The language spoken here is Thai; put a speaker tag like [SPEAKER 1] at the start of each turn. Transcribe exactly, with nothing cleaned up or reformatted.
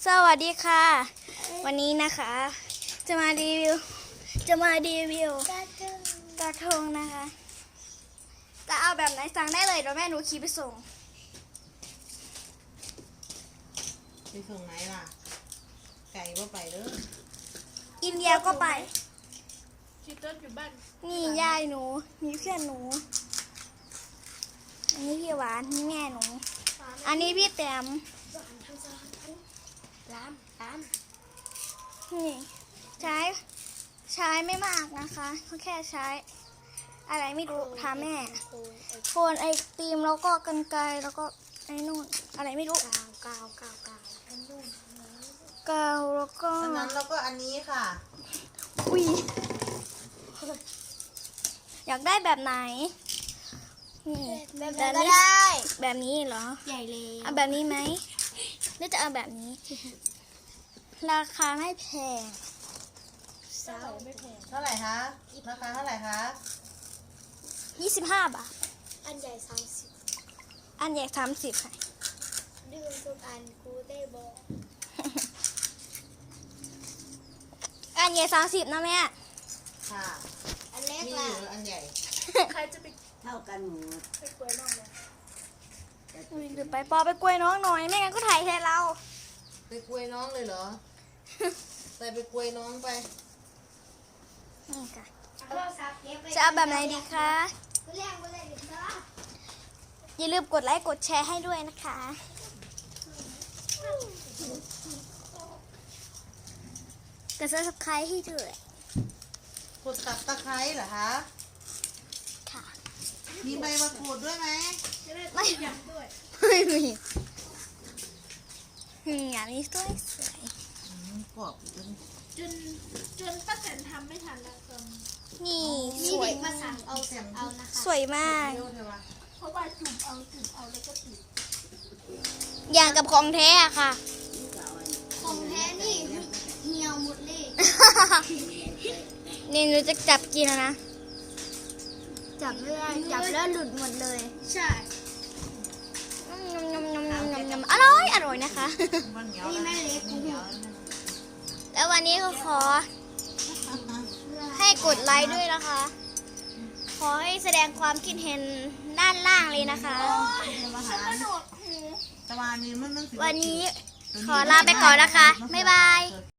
[SPEAKER 1] สวัสดีค่ะ วันนี้นะคะจะมารีวิวจะมารีวิวกระทงนะคะจะเอาแบบไหนสั่งได้เลยเดี๋ยวแม่หนูขี่ไปส่ง
[SPEAKER 2] ไปส่งไหนล่ะไก่ก็ไปเด้อ
[SPEAKER 1] อินเดียก็ไป
[SPEAKER 3] ชิต้นอยู่บ้าน
[SPEAKER 1] นี่ยายหนูนี่เพื่อนหนูอันนี้พี่หวานนี่แม่หนูอันนี้พี่แต้มร้านร้านนี่ใช้ใช้ไม่มากนะคะเขาแค่ใช้อะไรไม่รู้ทำแม่โคนไอติมแล้วก็กรรไกรแล้วก็ไอ้นู่นอะไรไม่รู้กาวกาวกาวกาวกาวแล้วก็
[SPEAKER 2] อันนั้นแล้วก็อันนี้ค่ะ
[SPEAKER 1] อุ้ยอยากได้แบบไหนนี่แบบนี้แบบนี้เหรอใหญ่เลยเอาแบบนี้ไหมหรือจะเอาแบบนี้ ราคาไม่แพง
[SPEAKER 2] เท่าไหร่คะราคาเท่าไหร่คะ
[SPEAKER 1] ยี่สิบห้าบาท
[SPEAKER 3] อันใหญ่สามสิบ
[SPEAKER 1] อันใหญ่สามสิบค่ะ
[SPEAKER 3] ดื้อทุกอันกูได้บอก
[SPEAKER 1] อันใหญ่สามสิบนะแม่
[SPEAKER 2] ค่ะ
[SPEAKER 3] อันเล็ก
[SPEAKER 2] มี
[SPEAKER 3] ล่ะ
[SPEAKER 2] อยู่อันใหญ่
[SPEAKER 3] ใครจะไป
[SPEAKER 4] เท่ากันหมด
[SPEAKER 3] ไปกล้วยน้องเลย
[SPEAKER 1] อุ้ยหรือไปปอไปกล้วยน้องหน่อยไม่งั้นก็ถ่ายแทนเรา
[SPEAKER 2] ไปกล้วยน้องเลยเหรอ ใส่ไปกล้วยน้องไป
[SPEAKER 1] นี่ค่ะ
[SPEAKER 3] โทรศัพท์เก็บไว้
[SPEAKER 1] จะเอาแบบไหนดีคะ
[SPEAKER 3] เรียกไปเลยเดี๋ยวจะ
[SPEAKER 1] อย่าลืมกดไลค์กดแชร์ให้ด้วยนะคะกด ซับสไครบ์ ให้ด้วย
[SPEAKER 2] กดตับตะไคร้เหรอคะ
[SPEAKER 1] ค่ะ
[SPEAKER 2] มีใบมะกรูดด้วยไหม
[SPEAKER 3] จะได้
[SPEAKER 1] ไม่
[SPEAKER 3] ยำด้วย
[SPEAKER 1] ไม่มีนี่อันนี้สวยสวย
[SPEAKER 2] อืมกรอบจน
[SPEAKER 3] จนจนป้าแตนทำไม่ทันแล้วกัน
[SPEAKER 1] นี่
[SPEAKER 3] มี
[SPEAKER 1] สวย
[SPEAKER 3] เด็กมาสั่งเอาสั่งเอานะคะ
[SPEAKER 1] สวยมาก
[SPEAKER 2] เร็วเถอะวะ
[SPEAKER 3] เพราะว่าจุ่มเอาจุ่มเอาแล้วก็ติด
[SPEAKER 1] อย่างกับของแท้อะค่ะ
[SPEAKER 3] ของแท้นี่เหี่ยวหมดเลย
[SPEAKER 1] นี่หนูจะจับกินแล้วนะ
[SPEAKER 3] จับไม่ได้จับแล้วหลุดหมดเลย ใช่
[SPEAKER 1] ยำยำยำยำยำยำอร่อยอร่อยนะคะ
[SPEAKER 2] มันเหนียว
[SPEAKER 3] นี่
[SPEAKER 2] นะ
[SPEAKER 3] แม่เล็ก
[SPEAKER 2] เหนียวนะ
[SPEAKER 1] แล้ววันนี้ก็ขอให้กดไลค์ด้วยนะคะ ขอให้แสดงความคิดเห็นด้านล่างเลยนะคะ
[SPEAKER 3] กระโดดหู
[SPEAKER 2] แต่ว่านี่มันมันสิ
[SPEAKER 1] วันนี้ขอลาไปก่อนนะคะ บ๊ายบาย